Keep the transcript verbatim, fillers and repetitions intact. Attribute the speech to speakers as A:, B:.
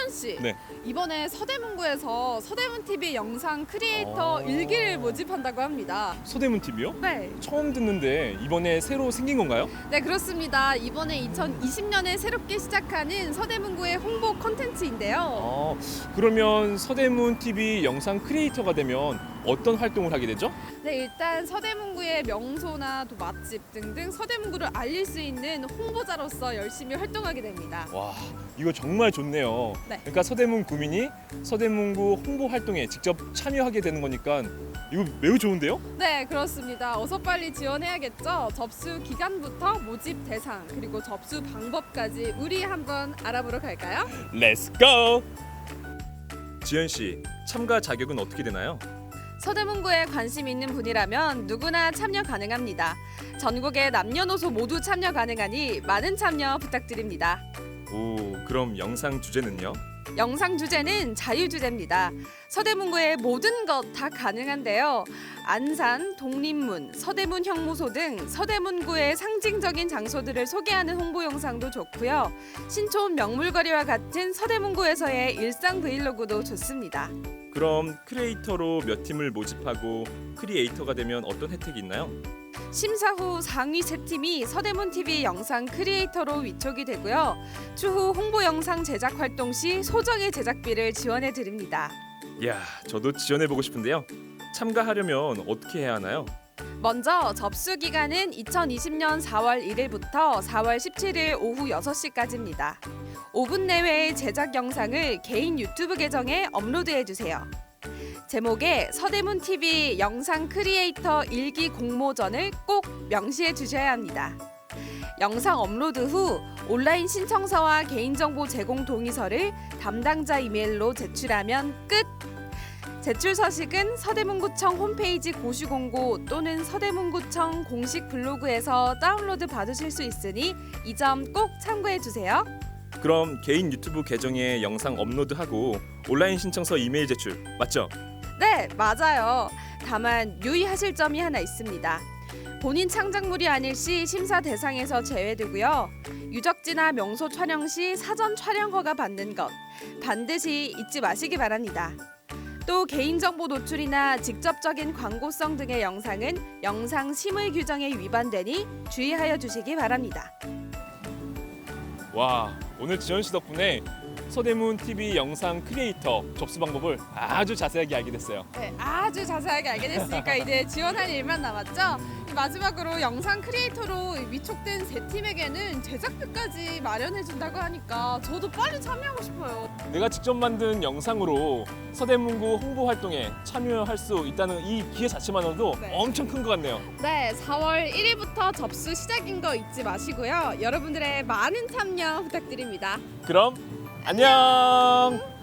A: 지현 씨,
B: 네.
A: 이번에 서대문구에서 서대문티비 영상 크리에이터
B: 어.
A: 일기를 모집한다고 합니다.
B: 서대문 티비요?
A: 네,
B: 처음 듣는데 이번에 새로 생긴 건가요?
A: 네 그렇습니다. 이번에 이천이십 년에 새롭게 시작하는 서대문구의 홍보 콘텐츠인데요.
B: 아, 그러면 서대문 티비 영상 크리에이터가 되면 어떤 활동을 하게 되죠?
A: 네, 일단 서대문구의 명소나 또 맛집 등등 서대문구를 알릴 수 있는 홍보자로서 열심히 활동하게 됩니다.
B: 와, 이거 정말 좋네요.
A: 네.
B: 그러니까 서대문 구민이 서대문구 홍보 활동에 직접 참여하게 되는 거니까 이거 매우 좋은데요?
A: 네, 그렇습니다. 어서 빨리 지원해야겠죠. 접수 기간부터 모집 대상 그리고 접수 방법까지 우리 한번 알아보러 갈까요?
B: 렛츠 고! 지현 씨, 참가 자격은 어떻게 되나요?
A: 서대문구에 관심 있는 분이라면 누구나 참여 가능합니다. 전국의 남녀노소 모두 참여 가능하니 많은 참여 부탁드립니다.
B: 오, 그럼 영상 주제는요?
A: 영상 주제는 자유주제입니다. 서대문구의 모든 것 다 가능한데요. 안산, 독립문, 서대문 형무소 등 서대문구의 상징적인 장소들을 소개하는 홍보 영상도 좋고요. 신촌 명물거리와 같은 서대문구에서의 일상 브이로그도 좋습니다.
B: 그럼 크리에이터로 몇 팀을 모집하고 크리에이터가 되면 어떤 혜택이 있나요?
A: 심사 후 상위 세 팀이 서대문티비 영상 크리에이터로 위촉이 되고요. 추후 홍보 영상 제작 활동 시 소정의 제작비를 지원해 드립니다.
B: 이야, 저도 지원해보고 싶은데요. 참가하려면 어떻게 해야 하나요?
A: 먼저 접수 기간은 이천이십 년 사월 일일부터 사월 십칠일 오후 여섯 시까지입니다. 오 분 내외의 제작 영상을 개인 유튜브 계정에 업로드해 주세요. 제목에 서대문티비 영상 크리에이터 일기 공모전을 꼭 명시해 주셔야 합니다. 영상 업로드 후 온라인 신청서와 개인정보 제공 동의서를 담당자 이메일로 제출하면 끝! 제출 서식은 서대문구청 홈페이지 고시공고 또는 서대문구청 공식 블로그에서 다운로드 받으실 수 있으니 이 점 꼭 참고해 주세요.
B: 그럼 개인 유튜브 계정에 영상 업로드하고 온라인 신청서 이메일 제출 맞죠?
A: 네, 맞아요. 다만 유의하실 점이 하나 있습니다. 본인 창작물이 아닐 시 심사 대상에서 제외되고요. 유적지나 명소 촬영 시 사전 촬영 허가 받는 것 반드시 잊지 마시기 바랍니다. 또 개인정보 노출이나 직접적인 광고성 등의 영상은 영상 심의 규정에 위반되니 주의하여 주시기 바랍니다.
B: 와, 오늘 지현 씨 덕분에 서대문 티비 영상 크리에이터 접수 방법을 아주 자세하게 알게 됐어요.
A: 네, 아주 자세하게 알게 됐으니까 이제 지원할 일만 남았죠. 마지막으로 영상 크리에이터로 위촉된 세 팀에게는 제작비까지 마련해준다고 하니까 저도 빨리 참여하고 싶어요.
B: 내가 직접 만든 영상으로 서대문구 홍보 활동에 참여할 수 있다는 이 기회 자체만으로도
A: 네.
B: 엄청 큰 것 같네요.
A: 네, 사월 일일부터 접수 시작인 거 잊지 마시고요. 여러분들의 많은 참여 부탁드립니다.
B: 그럼 안녕!